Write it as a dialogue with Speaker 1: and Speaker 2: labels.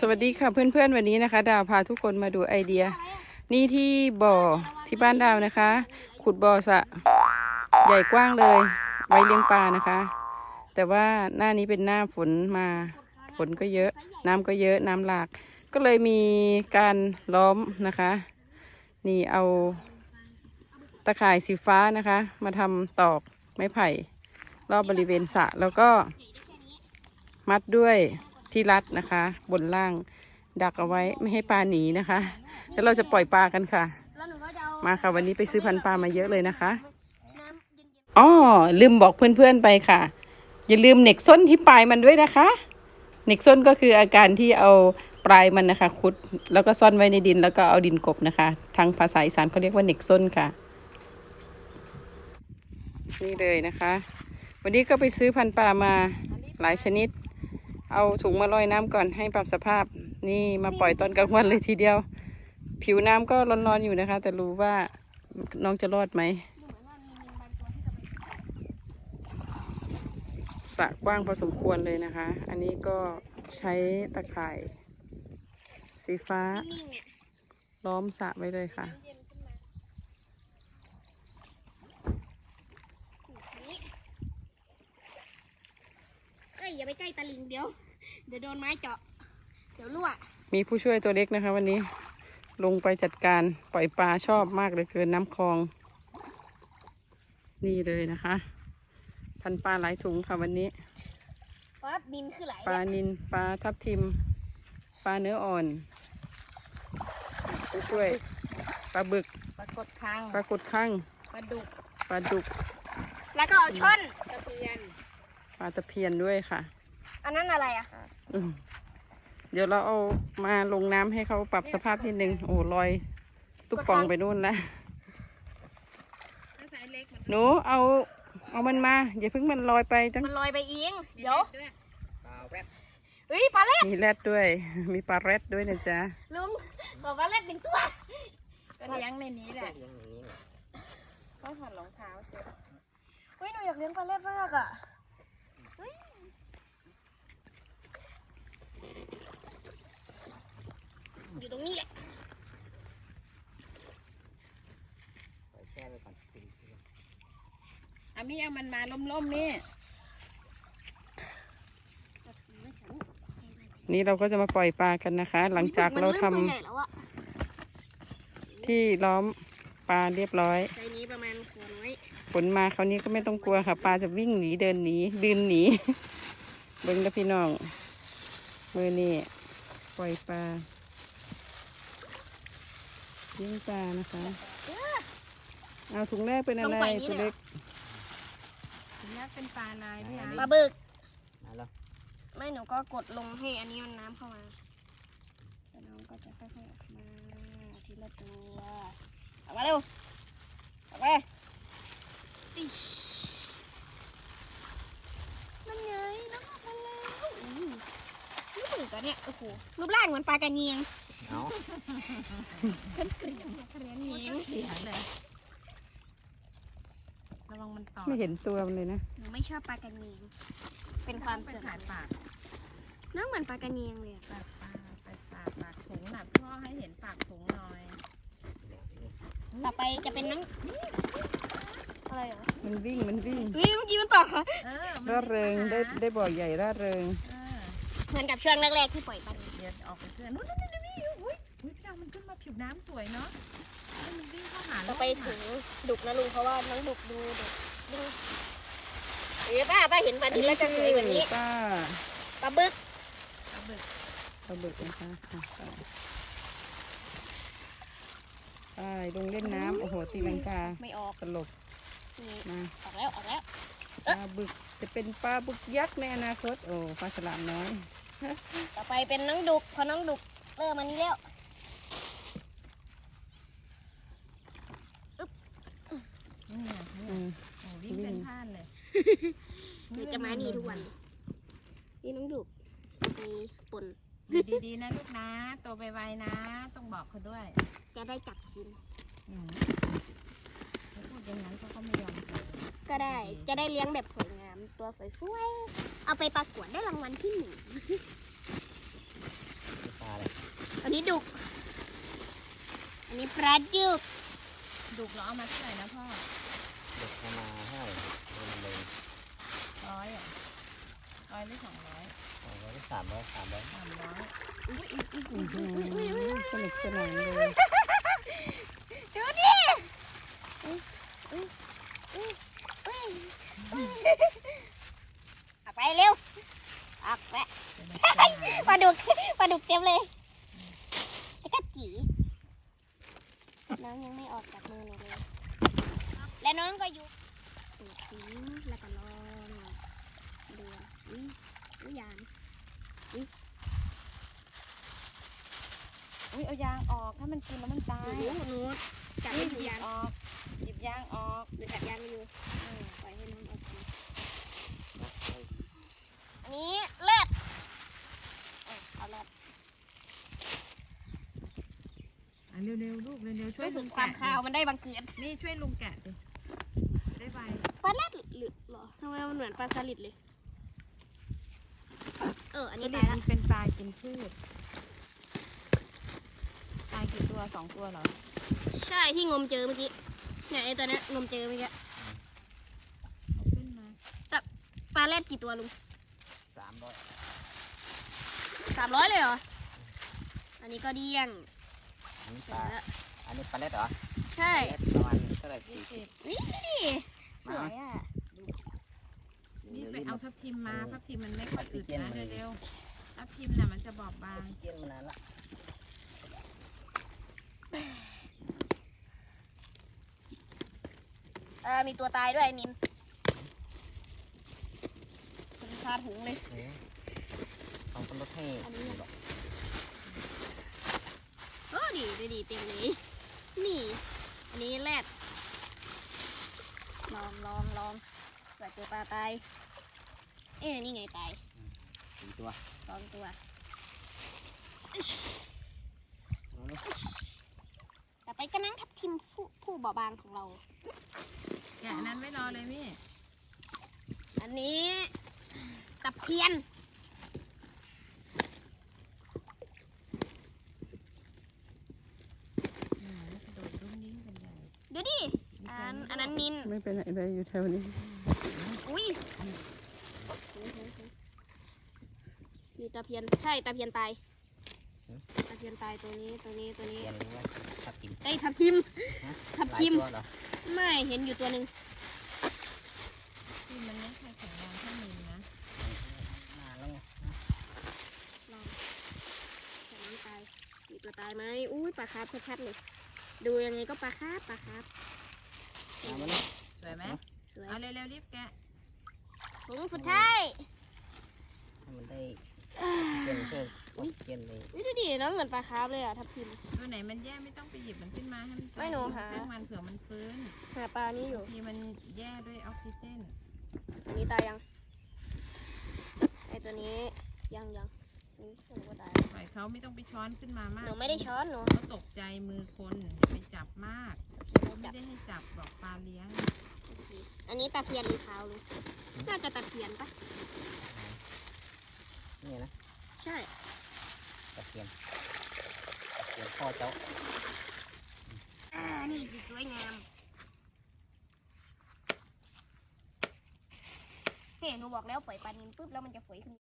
Speaker 1: สวัสดีค่ะเพื่อนๆวันนี้นะคะดาวพาทุกคนมาดูไอเดียนี่ที่บ่อที่บ้านดาวนะคะ ขุดบ่อสระใหญ่กว้างเลยไว้เลี้ยงปลานะคะ แต่ว่าหน้านี้เป็นหน้าฝนมาฝนก็เยอะน้ำก็เยอะน้ำหลากก็เลยมีการล้อมนะคะ นี่เอาตะข่ายสีฟ้านะคะมาทำตอกไม้ไผ่รอบบริเวณสระแล้วก็มัดด้วยที่รัดนะคะบนล่างดักเอาไว้ไม่ให้ปลาหนีนะคะแล้วเราจะปล่อยปลากันค่ะมาค่ะวันนี้ไปซื้อพันธุ์ปลามาเยอะเลยนะคะอ๋อลืมบอกเพื่อนๆไปค่ะอย่าลืมเหน็กส้นที่ปลายมันด้วยนะคะเหน็กส้นก็คืออาการที่เอาปลายมันนะคะขุดแล้วก็ซ่อนไว้ในดินแล้วก็เอาดินกบนะคะทางภาษาอีสานเขาเรียกว่าเหน็กส้นค่ะนี่เลยนะคะวันนี้ก็ไปซื้อพันธุ์ปลามาหลายชนิดเอาถุงมาลอยน้ำก่อนให้ปรับสภาพนี่มาปล่อยตอนกลางวันเลยทีเดียวผิวน้ำก็ร้อนๆอยู่นะคะแต่รู้ว่าน้องจะรอดไหมสระกว้างพอสมควรเลยนะคะอันนี้ก็ใช้ตะข่ายสีฟ้าล้อมสระไว้เลยค่ะ
Speaker 2: อย่าไปใกล้ตะลิงเดี๋ยวโดนไม้เจาะเดี๋ยวรั่ว
Speaker 1: มีผู้ช่วยตัวเล็กนะคะวันนี้ลงไปจัดการปล่อยปลาชอบมากเลยเกินน้ำคลองนี่เลยนะคะพันปลาหลายถุงค่ะวันนี้
Speaker 2: ปลาบินคือหลาย
Speaker 1: ปลานิลปลาทับทิมปลาเนื้ออ่อนผู้ช่วยปลาบึก
Speaker 2: ปลากดคัง
Speaker 1: ปลากดข้าง
Speaker 2: ปลาดุก
Speaker 1: แล้ว
Speaker 2: ก็เอาช่อนตะเพียน
Speaker 1: ปลาตะเพียนด้วยค่ะ
Speaker 2: อันนั้นอะไรอะ
Speaker 1: เดี๋ยวเราเอามาลงน้ำให้เขาปรับสภาพนิดนึงโอ้ลอยตุ๊กปองไปนู่นแล้วหนูเอามันมาอย่าเพิ่งมันลอยไปจัง
Speaker 2: มันลอยไปเองเดี๋ยวเฮ้ยปลาแรด
Speaker 1: มีแรดด้วยมีปลาแรดด้วยนะจ๊ะ
Speaker 2: ลุงบอกปลาแรดหนึ่งตัวก็เลี้ยงในนี้แหละก็ถอดรองเท้าเสร็จเฮ้ยหนูอยากเลี้ยงปลาแรดมากอะอยู่ตรงนี้แหละ
Speaker 1: อามี่เอามันมาล่มๆนี่เราก็จะมาปล่อยปลากันนะคะหลังจากเราทำที่ล้อมปลาเรียบร้อย
Speaker 2: ใจนี้ประมาณหัวน้อย
Speaker 1: ฝนมาคราวนี้ก็ไม่ต้องกลัวค่ะปลาจะวิ่งหนีเดินหนีบินหนีเบิ้งกับพี่น้องมือนี่ปล่อยปลาเลี้ยงปลานะคะเอาถุงแรกเป็นอะไรตัวเล็กถุงแรกเป็นปลาลายพี่
Speaker 2: ปลาบึกไม่หนูก็กดลงให้อันนี้มันน้ำเข้ามาแล้วน้องก็จะค่อยๆออกมาทีละตัวออกมาเร็วออกมานั่นไงน้องออกมาแล้วนี่บึกอะเนี่ยโอ้โหรูปร่างเหมือนปลากระเนียงฉันเกลียดปลากระเนียงเลย
Speaker 1: ระวังมันต่อไม่เห็นตัวมันเลยนะ
Speaker 2: หนูไม่ชอบปลากระเนียงเป็นความเสื่อมปากน้องเหมือนปลากระเนียงเลย
Speaker 1: ปากถุงหนักพ่อให้เห็นปากถุงหน่อย
Speaker 2: ต่อไปจะเป็นน้ำอะไรเหรอ
Speaker 1: มันวิ่ง
Speaker 2: เมื่อกี้มันต่อค่ะ
Speaker 1: ร่าเริงได้บ่อใหญ่ร่าเริง
Speaker 2: เหมือนกับช่วงแรกๆที่ปล่อยปลา
Speaker 1: เดี๋ยวออกไปเพื่อนนู้นอุ้ยพี่ดาวมันขึ้นมาผิวน้ำสวยเนาะมันวิ่งเข้าหา
Speaker 2: ต่อไปถึงดุกนะลุงเพราะว่าน้องดุกดูดุป้าเห็นปลาดินแล้วจะสวยกว่านี้ปลาบึก
Speaker 1: นะคะไปลงเล่นน้ำโอ้โหตีลังกา
Speaker 2: ไม่ออก
Speaker 1: ตลบ
Speaker 2: มาออกแล้ว
Speaker 1: ปลาบึกจะเป็นปลาบึกยักษ์ในอนาคตโอ้ปลาฉลามน้อย
Speaker 2: ต่อไปเป็นน้องดุกพอน้องดุกเริ่มมานี้แล้ว
Speaker 1: วิ่งเป็นท่านเลย
Speaker 2: เดี๋ยวจะมานี่ทุกวันนี่น้องดุกมีป่น
Speaker 1: ดีๆนะลูกนะโตไปไวนะต้องบอกเขาด้วย
Speaker 2: จะได้จับกิน
Speaker 1: พูดอย่างนั้นเขาก็ไม่ยอม
Speaker 2: ก็ได้จะได้เลี้ยงแบบสวยงามตัวสวยๆเอาไปประกวดได้รางวัลที่1 จุก อันนี้ปลาจุก
Speaker 1: ดุกเราเอามาเท่าไหร่นะพ่อ
Speaker 3: เด็กเอามาให้เลย
Speaker 1: 100อ่ะ100หรือ200
Speaker 3: 200 300 300
Speaker 1: 300
Speaker 3: สนุกสนานเลย
Speaker 2: ดูดิออกไปเร็วออกไปปลาดุกเต็มเลยจะกัดจีน้องยังไม่ออกจากมือหนูเลย และน้องก็อยู่ทิ้งแล้วก็รอเดือดยาง
Speaker 1: อุ้ยเอายางออกถ้ามันกินแล้วมันตาย
Speaker 2: หนูจับ
Speaker 1: ห
Speaker 2: ไม่
Speaker 1: ยิ
Speaker 2: อยู่
Speaker 1: บ
Speaker 2: ยาง
Speaker 1: ออกหยิบยางออก
Speaker 2: หนูจับยางไม่อยู่ปล่อยให้น้องออกมาอันนี้เลือดเอาเลือด
Speaker 1: เร็วๆลูกเร็วๆช่วย
Speaker 2: รู้สึ
Speaker 1: ลุ
Speaker 2: ก
Speaker 1: ง
Speaker 2: ความ
Speaker 1: แกะ
Speaker 2: คาวมันได้บังเกิด
Speaker 1: นี่ช่วยลุงแกะดิได้ใบ
Speaker 2: ปลาเลือดหรือหรอทำไมมันเหมือนปลาสลิดเลยอัน
Speaker 1: นี่
Speaker 2: นี้ตายละ
Speaker 1: มันเป็นปลากินพืชตายกี่ตัว2 ตัวเหรอ
Speaker 2: ใช่ที่งมเจอเมื่อกี้เนี่ยไอตัวนี้งมเจอเมื่อกี้
Speaker 1: เอาขึ้นมา
Speaker 2: ปลาเลือดกี่ตัวลุง
Speaker 3: 300
Speaker 2: 300เลยเหรออันนี้ก็เดี้ยง
Speaker 3: อันนี้ปลาอันนี้ปลาเล็ดเหรอ
Speaker 2: ใช่
Speaker 3: ประมาณเท่าไหร่
Speaker 1: 20
Speaker 2: นี่ดิสวยอ่ะ
Speaker 1: นี่ไปเอาทับทิมมาทับทิมมันไม่ค่อยอึดนะเร็วๆทับทิมน่ะมันจะบอบบาง
Speaker 3: เกี่ยนมานานละ
Speaker 2: มีตัวตายด้วยนินมันคาถุงเลย
Speaker 3: ต้องลดให้
Speaker 2: อันนี้ดีเต็มเลยนี่ อันนี้แรดลองเผื่อเจอปลาตายนี่ไงตาย
Speaker 3: 4 ตัว
Speaker 2: 2 ตัว ต่อไปก็นั่งทับทิมผู้เบาบางของเรา
Speaker 1: แกะนั้นไม่รอเลยมี่
Speaker 2: อันนี้ตะเพียน
Speaker 1: กระโดดรุ่มนิ้งกันใหญ่
Speaker 2: ดูดิ อันนั้นนิน
Speaker 1: ไม่เป็นไรเลยอยู่แถวนี้
Speaker 2: อุ้ยมีตะเพียน ใช่ตะเพียนตาย ตะเพียนตายตัวนี้
Speaker 3: เกี่ยนหรือว่าทับทิม
Speaker 2: เอ้ยทับทิม ทับทิม
Speaker 3: หลายตัวเหรอ
Speaker 2: ไม่เห็นอยู่ตัวหนึ่ง
Speaker 1: ที่มันไม่ค่อยแข็งแรงเท่านินนะ
Speaker 3: นานแล้วไง
Speaker 2: ลองแต่น้ำตาย มีตัวตายไหมอุ้ยปลาคาร์ฟชัดๆเลย ดูยังไงก็ปลาคาร์ฟ
Speaker 3: มามาเลย
Speaker 1: สวยไหม
Speaker 2: สวย
Speaker 1: เอาเร็วๆรีบแกะ
Speaker 2: ถุงสุดท้าย
Speaker 3: ให้มันได้เกี่ยนเพิ่มเกี่ยนเลย
Speaker 2: อุ้ยดูดิน้องเหมือนปลาคาร์ฟเลยอะทับทิม
Speaker 1: ตัวไหนมันแย่ไม่ต้องไปหยิบมันขึ้นมาให้มัน
Speaker 2: ไม่หนูหา
Speaker 1: เส้นมันเผื่อมันฟื้น
Speaker 2: หาปลานี้อยู่
Speaker 1: บางทีมันแย่ด้วยออกซิเจน
Speaker 2: อันนี้ตายยัง ไอตัวนี้ยังนี่หนูก็ตาย
Speaker 1: ปล่อยเขาไม่ต้องไปช้อนขึ้นมามาก
Speaker 2: หนูไม่ได้ช้อนหนู
Speaker 1: เขาตกใจมือคนอย่าไปจับมากเขาไม่ได้ให้จับบอกปลาเลี้ยง
Speaker 2: อันนี้ตะเพียนหรือขาวลุงน่าจะตะเพียนปะ
Speaker 3: นี่นะ
Speaker 2: ใช่
Speaker 3: ตะเกียนพ่อเจ้า
Speaker 2: นี่คือสวยงามเฮ้หนูบอกแล้วปล่อยปลานิลปุ๊บแล้วมันจะฝอยขึ้น